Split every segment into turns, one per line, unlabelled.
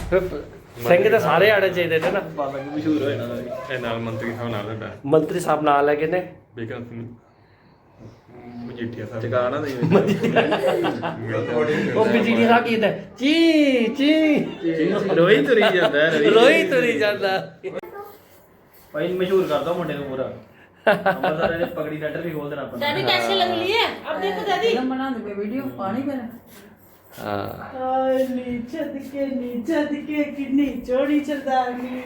ਸਿੰਘ ਤਾਂ ਸਾਰੇ ਆਣੇ ਚਾਹੀਦੇ ਨੇ ਨਾ।
ਬਾਬਾ ਜੀ ਮਸ਼ਹੂਰ ਹੋਏ ਨਾ
ਇਹ ਨਾਲ ਮੰਤਰੀ ਸਾਹਿਬ ਨਾਲ ਤੁਹਾਡਾ
ਮੰਤਰੀ ਸਾਹਿਬ ਨਾਲ ਲੈ ਕੇ ਨੇ
ਬੇਕਰ ਮਜੀਠੀਆ ਸਾਹਿਬ
ਟਿਕਾਣਾ ਨਹੀਂ
ਉਹ ਬਿਜਲੀ ਸਾਹਿਬ ਕੀ ਹੁੰਦਾ ਚੀ ਚੀ
ਰੋਈ ਤੁਰੀ ਜਾਂਦਾ
ਰੋਈ ਤੁਰੀ ਜਾਂਦਾ।
ਭਾਈ ਮਸ਼ਹੂਰ ਕਰਦਾ ਮੁੰਡੇ ਨੂੰ ਪੂਰਾ ਅੰਮ੍ਰਿਤਸਰ ਦੇ ਪਗੜੀ ਸੈਂਟਰ ਵੀ ਖੋਲ ਦੇਣਾ ਆਪਾਂ
दादी कैसे लग रही है अब देखो दादी
बना दे वीडियो पानी पे
ਹਾਂ
नीचे दिखे कितनी चौड़ी सरदारनी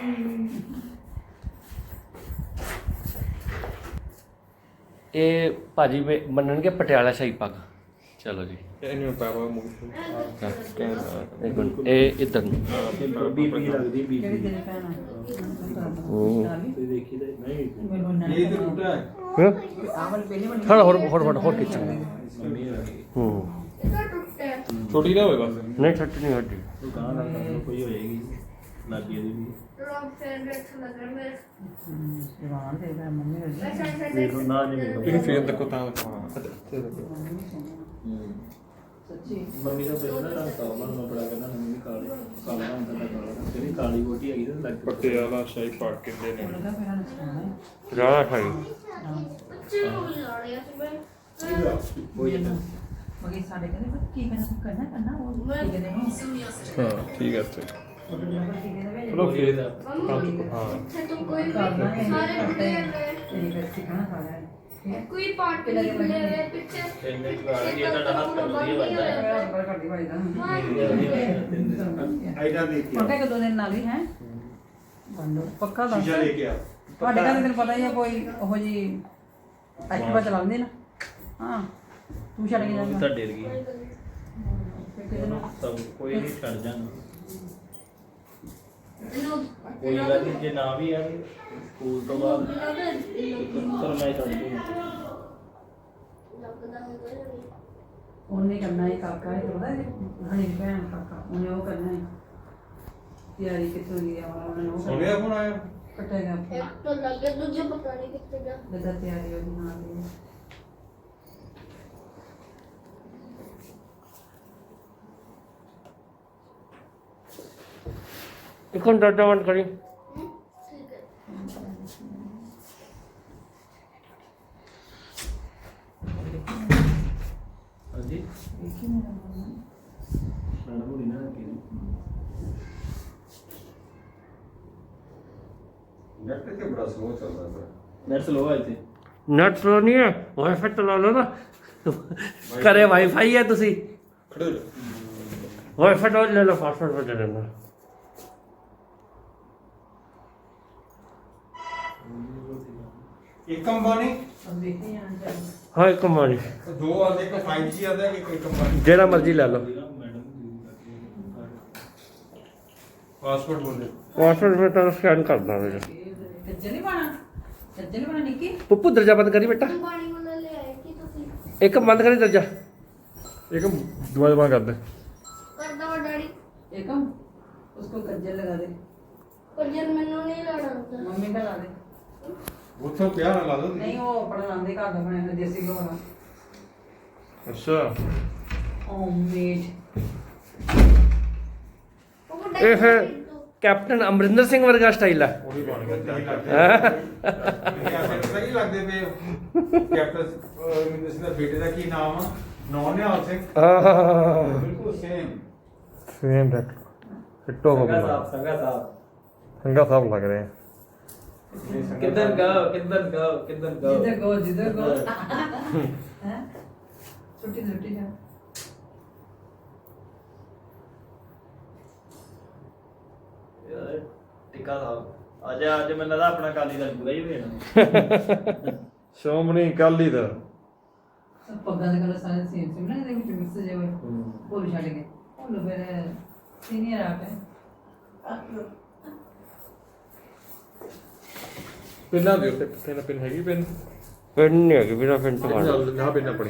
ਇਹ ਭਾਜੀ ਮੰਨਣਗੇ ਪਟਿਆਲਾ ਸ਼ਾਹੀ ਪੱਗ। ਚਲੋ ਜੀ
ਇਹਨੂੰ ਪਾਪਾ ਮੂੰਹ
ਇੱਕ ਮਿੰਟ ਇਹ ਇੱਧਰ ਨੂੰ
ਬੀਬੀ ਲੱਗਦੀ ਬੀਬੀ
केड़ी तेरी भैन
ਤੇ ਦੇਖੀ ਤੇ ਨਹੀਂ
ये तो टूटा
ਹਾਂ
आवल पहले वाली
ਥੋੜਾ ਹੋਰ ਖਿੱਚ
ਮੰਮੀ ਆ ਗਈ
ਛੋਟੀ ਨਾ ਹੋਵੇ ਬਸ
ਨਹੀਂ ਛੱਟ ਨਹੀਂ ਹੱਡੀ
ਦੁਕਾਨ ਦਾ ਕੋਈ ਹੋਏਗੀ ਲੱਗੀ ਇਹਦੀ ਵੀ
जवान दे रहा मम्मी हो
ਵੇਖੋ ਨਾ ਨਹੀਂ ਵੇਖੋ
ਤੁਸੀਂ ਫੇਰ ਦੇਖੋ ਤਾਂ ਅੱਛਾ
सच्ची
ਮੰਮੀ ਦਾ ਬੇਟਾ ਨਾ ਕਾਲਾ ਨੂੰ ਬੜਾ ਕਹਿੰਦਾ ਮੰਮੀ ਕਾਲੀ ਕਾਲਾ ਹੁੰਦਾ ਤਾਂ ਕਾਲਾ ਤੇਰੀ ਕਾਲੀ ਬੋਟੀ ਹੈਗੀ ਤੇ ਲੱਗ
ਪਟਿਆਲਾ ਸ਼ਾਹੀ ਪਾਕ ਕਹਿੰਦੇ ਨੇ
लगा फिर हमें सुना
ਜ਼ਿਆਦਾ ਖਾਈ
ਕੋਈ ਜਾਂਦਾ
मगर साढ़े कहते की करना वो की कहते हैं
ਹਾਂ ਠੀਕ ਹੈ ਤੇ
की कहते
ਚਲੋ ਫੇਰ ਹਾਂ
करना है ये सिखाना सारा है
कोई पार्ट नहीं खुले हुए पीछे
ਇੰਨੇ ਚੁਗਾ ਗਿਆ ਤੁਹਾਡਾ ਹੱਥ ਕਰਦੀ ਵੱਜਦਾ ਹੈ
मेरा ऊपर कर दी भाई दा
ਆਈਡਾ ਦੇਖ ਕੇ
पक्का के 2 दिन नाल ही है बंदो पक्का दस
ਸ਼ੀਸ਼ਾ ਲੈ ਕੇ ਆ
ਤੁਹਾਡੇ ਘਰ ਤੈਨੂੰ ਪਤਾ ਹੀ ਆ ਕੋਈ ਉਹ ਜੀ ਐਕਟਿਵਾ ਚਲਾਉਂਦੇ ਨਾ ਹਾਂ ਤੂੰ ਛੱਡ ਕੇ ਜਾਂਦਾ
ਤਾਂ ਡਰ ਗਈ
ਫਿਰ ਕਿਤੇ ਨਾ
ਸਭ ਕੋਈ ਨਹੀਂ ਛੱਡ ਜਾਣਾ ਕੋਈ ਗੱਲ ਨਹੀਂ ਜੇ ਨਾ ਵੀ ਆ ਸਕੂਲ ਤੋਂ ਬਾਅਦ ਪਰ ਮੈਂ ਛੱਡ ਦੂੰਗਾ
ਉਹਨੇ ਕਰਨਾ ਹੈ ਕਾਕਾ ਹੈ ਪਤਾ ਹੈ ਹਣੀ ਭੈਣ ਕਾਕਾ ਉਹਨੇ ਉਹ ਕਰਨਾ ਹੈ ਤਿਆਰੀ ਕਿੱਥੋਂ ਦੀ ਆ ਉਹਨਾਂ ਨੂੰ
ਸੋਨੇ ਦਾ ਫੋਨ ਆਇਆ
ਕਟੇਗਾ
एक तो लगे दूसरे पता नहीं कितने का
ਬਦਾ ਤਿਆਰੀ ਉਹਦੀ ਨਾਲ ਦੀ
ਇੱਕ ਹੁਣ ਦਰਜਾ ਬੰਦ ਕਰੀ
ठीक है
ਹਾਂਜੀ
ਦੇਖੀ ਮੇਰਾ ਮਨ
ਮੈਡਮ ਹੋਣੀ ਨਾ ਕਿ
ਨੈਟ ਤੇ ਬੜਾ ਸਲੋ ਚੱਲਦਾ ਹੈ
ਨੈਟ ਸਲੋ ਹੈ ਇੱਥੇ
ਨੈਟ ਸਲੋ ਨਹੀਂ ਹੈ ਵਾਈਫਾਈ ਚਲਾ ਲਓ ਨਾ ਘਰੇ ਵਾਈਫਾਈ ਹੈ ਤੁਸੀਂ
ਖੜੇ ਹੋ ਜਾਓ
ਵਾਈਫਾਈ ਤੋਂ ਲੈ ਲਓ ਪਾਸਵਰਡ ਬਦਲ ਦੇਣਾ
ਇੱਕ ਅੰਬਾਨੀ
अब देखते हैं यहाँ जाए
ਹਾਂ ਇੱਕ ਮਾਰੀ
ਦੋ ਆਦੇ ਇੱਕ 5G ਆਦਾ ਇੱਕ ਅੰਬਾਨੀ
ਜਿਹੜਾ ਮਰਜ਼ੀ ਲੈ ਲਓ
ਪਾਸਪੋਰਟ ਬੋਲੇ
ਪਾਸਵਰਡ ਮੈਂ ਤਾਂ ਸਕੈਨ ਕਰਦਾ ਵੇ
कज्जल ही बना निक्की
ਪੁੱਪੂ ਦਰਜਾ ਬੰਦ ਕਰੀ ਬੇਟਾ
पानी वाला ले आए कि तो फिर
ਇੱਕ ਬੰਦ ਕਰੀ ਦਰਜਾ
ਇੱਕ ਦੁਆ ਦੁਆ ਕਰ ਦੇ
कर दो डैडी
एकम उसको कज्जल लगा दे
पर जन मैंने नहीं लड़ा था
मम्मी का ला दे
ਉੱਥੋਂ ਪਿਆ ਨਾ ਲਾ ਦੋ
नहीं वो अपना लांदे घर का बनाया देसी घ्यो वाला
ਅੱਛਾ
होममेड
ਇਹ ਫਿਰ ਕੈਪਟਨ ਅਮਰਿੰਦਰ ਸਿੰਘ ਵਰਗਾ ਸਟਾਈਲ ਆ
ਉਹ ਵੀ ਬਣ ਗਿਆ
ਸਹੀ ਲੱਗਦੇ ਪਏ ਕੈਪਟਨ ਮਿੰਦਰ ਸਿੰਘ ਦਾ ਬੇਟੇ ਦਾ ਕੀ ਨਾਮ ਆ ਨੌਨਿਆਲ ਸਿੰਘ ਬਿਲਕੁਲ ਸੇਮ
ਸੇਮ ਡੈਕ ਫਿੱਟੋ ਹੋ ਗਿਆ
ਸੰਗਾ ਸਾਹਿਬ
ਸੰਗਾ ਸਾਹਿਬ ਲੱਗ ਰਹੇ
ਕਿੱਧਰ ਗਾਓ
जिधर गो हैं छुट्टी जा
ਯਾਰ ਟਿੱਕਾ ਸਾਹਿਬ ਅੱਜ ਮੈਨੂੰ ਲੱਗਦਾ ਆਪਣਾ ਕਾਲੀ ਦਾ ਪੂਰਾ ਹੀ ਹੋਣਾ
ਸ਼ੋਮਣੀ ਕਾਲੀ ਦਾ
पग्गा दे कलर सारे सेम सेम ना दे विच मिक्स जे होए भोल छड़ के भोल फिर सीनियर आप है
ਪਿੰਨਾਂ ਦੇ ਉੱਤੇ ਪਿੰਨ ਹੈਗੀ ਪਿੰਨ
ਪਿੰਨ ਨਹੀਂ ਹੈਗੀ ਬਿਨਾ ਪਿੰਨ ਤੋਂ ਮਾਰ
ਨਾ ਪਿੰਨ ਆਪਣੀ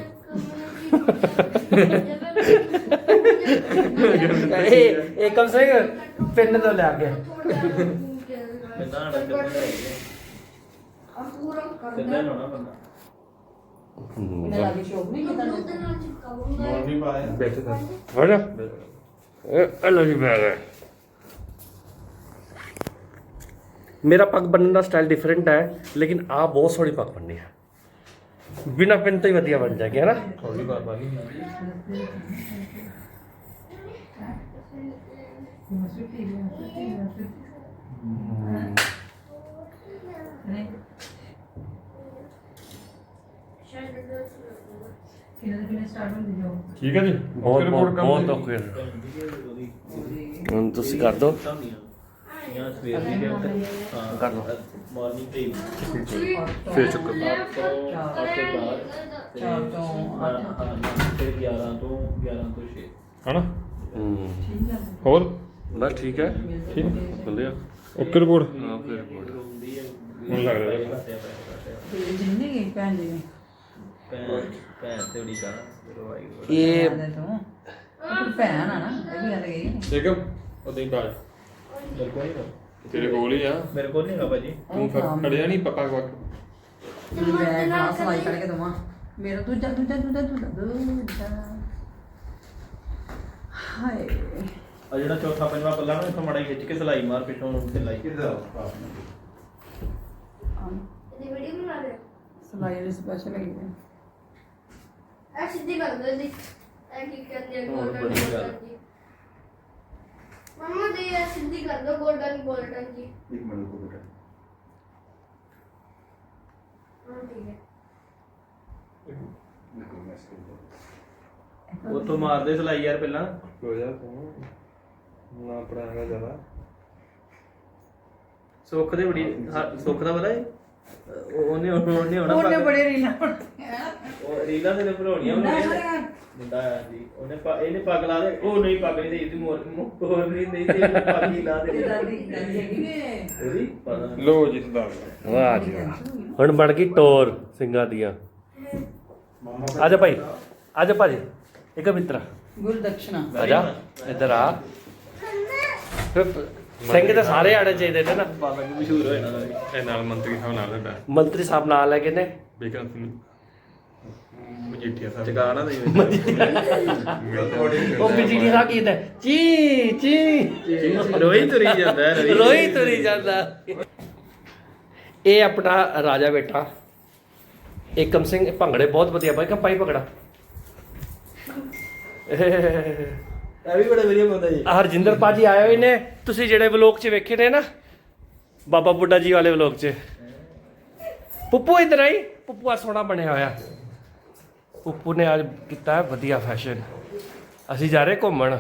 ਇਹ ਕਮ ਸੇ ਪਿੰਨ ਤੋਂ ਲਿਆ ਗਿਆ
ਕਿੰਨਾ ਨਾ ਕਿੰਨਾ
पूरा कर
ਕਿੰਨਾ ਹੋਣਾ ਬੰਦਾ
इन्हें लागे शौक नहीं कितना
चिपकाऊंगा
ਨੌਨ ਨਹੀਂ ਪਾਇਆ
ਬੈਠੇ ਤਾਂ
ਫੜ ਇਹ ਲੋ ਜੀ ਬੈਗ ਹੈ ਮੇਰਾ ਪੱਗ ਬੰਨਣ ਦਾ ਸਟਾਈਲ ਡਿਫਰੈਂਟ ਹੈ, ਲੇਕਿਨ ਆ ਬਹੁਤ ਸੋਹਣੀ ਪੱਗ ਬੰਨੀ ਹੈ। ਬਿਨਾਂ ਪਿੰਨ ਤੋਂ ਹੀ ਵਧੀਆ ਬਣ ਜਾਏਗੀ, ਹੈ ਨਾ?
ਥੋੜੀ ਬਾਰ ਬਾਰ ਨਹੀਂ
ਕਿੰਨੇ ਸਟਾਰਟ ਹੁੰਦੀ ਜੋ
ਠੀਕ ਹੈ ਜੀ
ਬਹੁਤ
report ਕਰ
ਬਹੁਤ
ਦਿਓ।
ਓਕੇ। ਹੁਣ ਤੁਸੀਂ ਕਰ ਦਿਓ।
ਜਾਂ ਸਵੇਰ ਦੀ ਦੇ ਉੱਤੇ ਹਾਂ
ਕਰ ਲਓ।
ਮਾਰਨਿੰਗ ਤੇ
ਫੇਰ ਚੱਕਰ
ਆਪਕੇ ਬਾਅਦ
4 ਤੋਂ 8
ਫਿਰ 11 ਤੋਂ 6
ਹਨਾ
ਠੀਕ ਹੈ
ਹੋਰ
ਬਸ ਠੀਕ ਹੈ,
ਠੀਕ
ਬੰਦੇ
ਓਕੇ ਰਿਪੋਰਟ
ਹਾਂ ਫਿਰ ਰਿਪੋਰਟ।
ਹੁਣ ਲੱਗ ਰਿਹਾ
ਜਿੰਨੀ ਗਈ ਭੈਣ ਜੀ
ਭੈਣ ਤੇ ਉਡੀ ਕਾ
ਇਹ
ਤੂੰ ਭੈਣ ਆ ਨਾ ਇਹ ਵੀ ਗੱਲ ਗਈ
ਠੀਕ ਹੈ ਉਦੋਂ ਹੀ ਬਾਜ ਤੇਰੇ ਕੋਲ ਹੀ ਆ
ਮੇਰੇ ਕੋਲ ਨਹੀਂ ਹੈਗਾ ਭਾਜੀ
ਤੂੰ ਖੜਿਆ ਨਹੀਂ ਪੱਕਾ ਵਕ
ਮੈਂ ਨਾ ਸਲਾਈ ਕਰਕੇ ਦਵਾਂ ਮੇਰਾ ਦੂਜਾ ਹਾਏ
ਆ ਜਿਹੜਾ ਚੌਥਾ ਪੰਜਵਾਂ ਪੱਲਾ ਨਾ ਇਥੋਂ ਮੜਾ ਖਿੱਚ ਕੇ ਸਲਾਈ ਮਾਰ ਪਿੱਛੋਂ ਨੂੰ ਸਲਾਈ
ਇਹਦੀ ਵੀਡੀਓ ਬਣਾ ਰਹੇ
ਸਲਾਈ ਵਾਲੀ ਸਪੈਸ਼ਲ ਹੈਗੀ ਹੈ
ਐ ਸਿੱਧੀ ਕਰ ਦੋ ਇਹਦੀ ਐ ਕੀ ਕਹਿੰਦੇ ਆ
ਹੋਰ
ਗੋਲਡਨ
ਬੜੀ ਗੱਲ।
ਜੀ ਮਮਾ ਦੇ ਐ ਸਿੱਧੀ ਕਰ ਦੋ ਗੋਲਡਨ ਜੀ
ਇੱਕ ਮਿੰਟ ਰੁਕੋ ਬੇਟਾ।
ਹਾਂ ਠੀਕ ਹੈ
ਬਿਲਕੁਲ ਮੈਸੇਜ
ਉੱਥੋਂ ਮਾਰਦੇ ਸਲਾਈ ਯਾਰ ਪਹਿਲਾਂ
ਹੋ ਜਾ ਤੂੰ ਨਾ ਪੜਾਗਾ ਜ਼ਿਆਦਾ
ਸੁੱਖ ਦੇ ਬੜੀ ਸੁੱਖ ਦਾ ਪਤਾ ਹੈ ਉਹਨੇ ਹੋਣਾ
ਉਹਨੇ
ਪੱਗ।
ਬੜੇ ਰੀਲਾਂ
ਉਹ ਰੀਲਾਂ ਤੇ ਭਰੋਣੀਆਂ ਮੁੰਡਾ ਆਇਆ ਜੀ ਉਹਨੇ ਇਹਨੇ ਪੱਗ ਲਾ ਦੇ ਉਹ ਨਹੀਂ ਪੱਗ ਨਹੀਂ ਦੇਈ ਤੇ ਮੋਰ ਨਹੀਂ ਦੇਈ ਤੇ ਇਹਨੇ ਪੱਗ ਹੀ ਲਾ ਦੇ
ਦਾਦੀ ਹੈਗੀ ਨੇ
ਉਹਦੀ ਪਤਾ
ਲੋ ਜੀ ਸਰਦਾਰ
ਵਾਹ ਜੀ ਵਾਹ। ਹੁਣ ਬਣ ਗਈ ਟੋਰ ਸਿੰਘਾਂ ਦੀਆਂ। ਆ ਜਾ ਭਾਈ, ਆ ਜਾ ਭਾਜੀ, ਇੱਕ ਮਿੱਤਰਾ
ਗੁਰਦਕਸ਼ਨਾ
ਆ ਜਾ ਇੱਧਰ ਆ। ਸਿੰਘ ਤਾਂ ਸਾਰੇ ਆਣੇ ਚਾਹੀਦੇ ਨੇ ਨਾ।
ਪੱਗ ਮਸ਼ਹੂਰ ਹੋਏ ਨਾ
ਇਹ ਨਾਲ ਮੰਤਰੀ ਸਾਹਿਬ ਨਾਲ ਹੁੰਦਾ
ਮੰਤਰੀ ਸਾਹਿਬ ਨਾਲ ਲੈ ਕੇ ਨੇ।
ਬੇਕਰ ਸਿੰਘ ਮਜੀਠੀਆ ਸਾਹਿਬ
ਚਗਾ ਨਾ ਦੇ
ਉਹ ਬਿਜਲੀ ਦਾ ਕੀ ਹੁੰਦਾ ਚੀ ਚੀ
ਰੋਈ ਤੁਰੀ ਜਾਂਦਾ ਹੈ
ਰੋਈ ਤੁਰੀ ਜਾਂਦਾ। ਇਹ ਆਪਣਾ ਰਾਜਾ ਬੇਟਾ ਏਕਮ ਸਿੰਘ ਭੰਗੜੇ ਬਹੁਤ ਵਧੀਆ ਬਾਈ ਪਾਈ ਭੰਗੜਾ।
ਇਹ ਵੀ ਬੜੇ ਵਧੀਆ ਬੰਦਾ ਜੀ
ਹਰਜਿੰਦਰ ਪਾਜੀ ਆਏ ਹੋਏ ਨੇ, ਤੁਸੀਂ ਜਿਹੜੇ ਵਲੋਗ 'ਚ ਵੇਖੇ ਨੇ ਨਾ ਬਾਬਾ ਬੁੱਢਾ ਜੀ ਵਾਲੇ ਵਲੋਗ 'ਚ। ਪੁੱਪੂ ਇੱਧਰ ਆਈ, ਪੁੱਪੂ ਆ ਸੋਹਣਾ ਬਣਿਆ ਹੋਇਆ। ਪੁੱਪੂ ਨੇ ਅੱਜ ਕੀਤਾ ਹੈ ਵਧੀਆ ਫੈਸ਼ਨ। ਅਸੀਂ ਜਾ ਰਹੇ ਘੁੰਮਣ।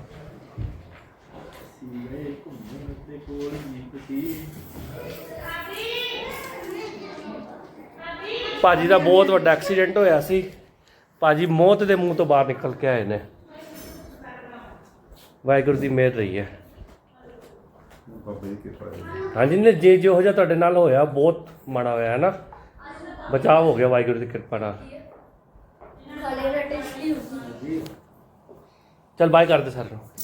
ਭਾਜੀ ਦਾ ਬਹੁਤ ਵੱਡਾ ਐਕਸੀਡੈਂਟ ਹੋਇਆ ਸੀ। ਭਾਜੀ ਮੌਤ ਦੇ ਮੂੰਹ ਤੋਂ ਬਾਹਰ ਨਿਕਲ ਕੇ ਆਏ ਨੇ। ਵਾਹਿਗੁਰੂ ਦੀ ਮਿਹਰ ਰਹੀ ਹੈ।
ਬਾਬਾ ਜੀ ਕਿਰਪਾ ਹੈ।
ਹਾਂਜੀ ਨੇ ਜੇ ਜੋ ਜਿਹਾ ਤੁਹਾਡੇ ਨਾਲ ਹੋਇਆ ਬਹੁਤ ਮਾੜਾ ਹੋਇਆ ਹੈ ਨਾ। ਬਚਾਅ ਹੋ ਗਿਆ ਵਾਹਿਗੁਰੂ ਦੀ ਕਿਰਪਾ ਨਾਲ।
ਖਾਣੇ ਦਾ ਟੇਸਟੀ ਹੁੰਦੀ
ਚਲ ਬਾਏ ਕਰਦੇ ਸਰ ਨੂੰ।